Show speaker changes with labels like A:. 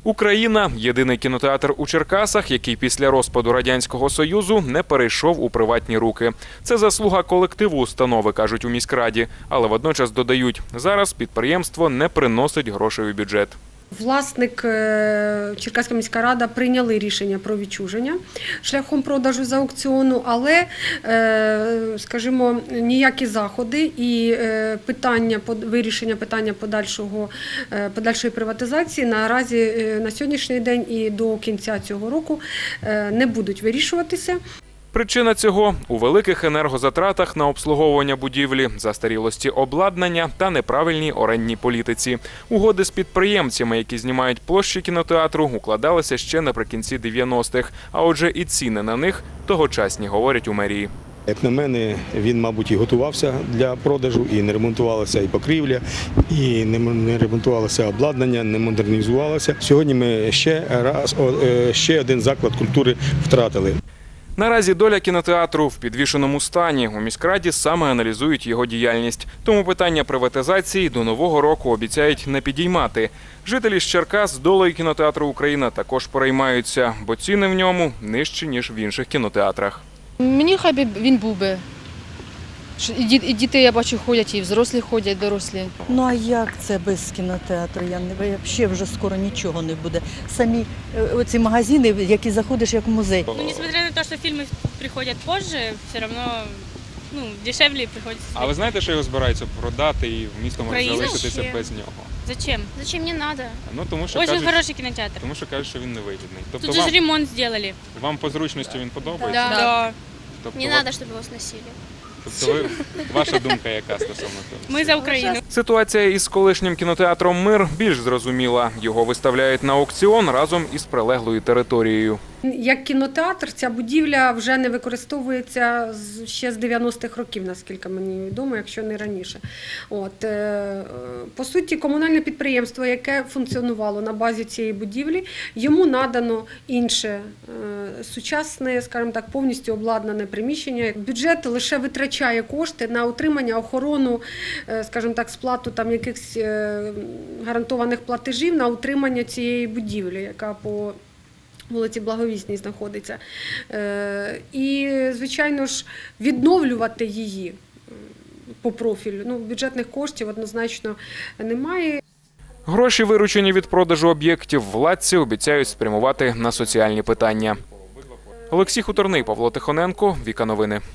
A: Україна – єдиний кінотеатр у Черкасах, який після розпаду Радянського Союзу не перейшов у приватні руки. Це заслуга колективу установи, кажуть у міськраді. Але водночас додають, зараз підприємство не приносить грошей у бюджет.
B: Власник Черкаська міська рада прийняли рішення про відчуження шляхом продажу з аукціону, але, скажімо, ніякі заходи і вирішення питання подальшої приватизації наразі на сьогоднішній день і до кінця цього року не будуть вирішуватися.
A: Причина цього – у великих енергозатратах на обслуговування будівлі, застарілості обладнання та неправильній орендній політиці. Угоди з підприємцями, які знімають площі кінотеатру, укладалися ще наприкінці 90-х. А отже, і ціни на них тогочасні, говорять у мерії.
C: Як на мене, він, мабуть, і готувався для продажу, і не ремонтувалася і покрівля, і не ремонтувалося обладнання, не модернізувалося. Сьогодні ми ще один заклад культури втратили.
A: Наразі доля кінотеатру в підвішеному стані. У міськраді саме аналізують його діяльність. Тому питання приватизації до нового року обіцяють не підіймати. Жителі з Черкас з долею кінотеатру «Україна» також переймаються, бо ціни в ньому нижчі, ніж в інших кінотеатрах.
D: Мені хай би він був би. І діти, я бачу, ходять, і взрослі ходять, дорослі.
E: Ну а як це без кінотеатру? Взагалі вже скоро нічого не буде. Самі оці магазини, в які заходиш як в музей.
F: Ну, несмотря на те, що фільми приходять позже, все одно дешевле приходиться.
A: А ви знаєте, що його збираються продати і місто може залишитися без нього?
F: Зачем? Зачем не надо?
A: Ну, тому що
F: Очень хороший кінотеатр.
A: Тому що кажуть, що він невигідний.
F: Тут же ремонт зробили.
A: Вам по зручності він подобається?
F: Да.
G: Не надо, чтобы его сносили.
A: Тобто ваша думка яка стосовно того?
F: Ми за Україну.
A: Ситуація із колишнім кінотеатром «Мир» більш зрозуміла. Його виставляють на аукціон разом із прилеглою територією.
B: Як кінотеатр ця будівля вже не використовується ще з 90-х років, наскільки мені відомо, якщо не раніше. По суті, комунальне підприємство, яке функціонувало на базі цієї будівлі, йому надано інше, сучасне, скажімо так, повністю обладнане приміщення. Бюджет лише витрачає кошти на утримання, охорону, скажімо так, сплату там якихось гарантованих платежів на утримання цієї будівлі, яка по вулиці Благовісній знаходиться. І, звичайно ж, відновлювати її по профілю, бюджетних коштів однозначно немає.
A: Гроші, виручені від продажу об'єктів, владці обіцяють спрямувати на соціальні питання. Олексій Хуторний, Павло Тихоненко, Віка Новини.